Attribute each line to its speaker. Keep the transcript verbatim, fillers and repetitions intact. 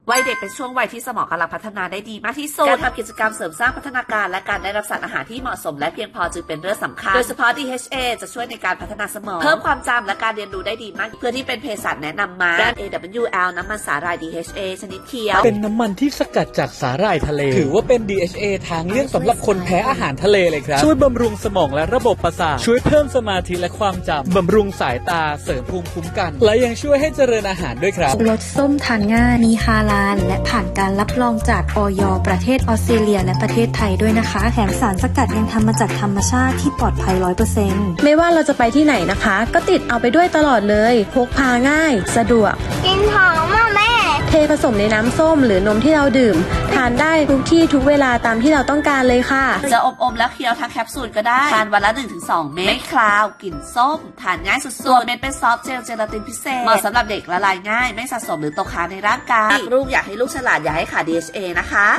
Speaker 1: วัยเด็กเป็นช่วงวัยที่สมองกำลังพัฒนาได้ดีมากที่สุดการทำกิจกรรมเสริมสร้างพัฒนาการและการได้รับสารอาหารที่เหมาะสมและเพียงพอจึงเป็นเรื่องสำคัญโดยเฉพาะ ดี เอช เอ จะช่วยในการพัฒนาสมองเพิ่มความจำและการเรียนรู้ได้ดีมากเพื่อที่เป็นเภสัชแนะนำมาแบรนด์ เอ ดับเบิลยู แอล น้ำมันสาหร่าย ดี เอช เอ ชนิดเขียว
Speaker 2: เป็นน้ำมันที่สกัดจากสาหร่ายทะเลถือว่าเป็น ดี เอช เอ ทางเลือกสำหรับคนแพ้อาหารทะเลเลยครับช่วยบำรุงสมองและระบบประสาทช่วยเพิ่มสมาธิและความจำบำรุงสายตาเสริมภูมิคุ้มกันและยังช่วยให้เจริญอาหารด้วยครับ
Speaker 3: รสส้มทานง่ายมีฮาลาลและผ่านการรับรองจากอย.ประเทศออสเตรเลียและประเทศไทยด้วยนะคะแถมสารสกัดยังทำมาจากธรรมชาติที่ปลอดภัย ร้อยเปอร์เซ็นต์
Speaker 4: ไม่ว่าเราจะไปที่ไหนนะคะก็ติดเอาไปด้วยตลอดเลยพกพาง่ายสะดวก
Speaker 5: กินหอมมากแม่
Speaker 4: เทผสมในน้ำส้มหรือนมที่เราดื่มทานได้ทุกที่ทุกเวลาตามที่เราต้องการเลยค่ะ
Speaker 1: จะอมๆแล้วเคี้ยวทั้งแคปซูลก็ได้ทานวันละ หนึ่งถึงสอง เม็ดไม่คลาวกลิ่นส้มทานง่ายสุดๆส่วนเม็ดเป็นซอฟต์เจลเจลาตินพิเศษเหมาะสำหรับเด็กละลายง่ายไม่สะสมหรือตกค้างในร่างกายลูกอยากให้ลูกฉลาดอย่าให้ขาด ดี เอช เอ นะคะ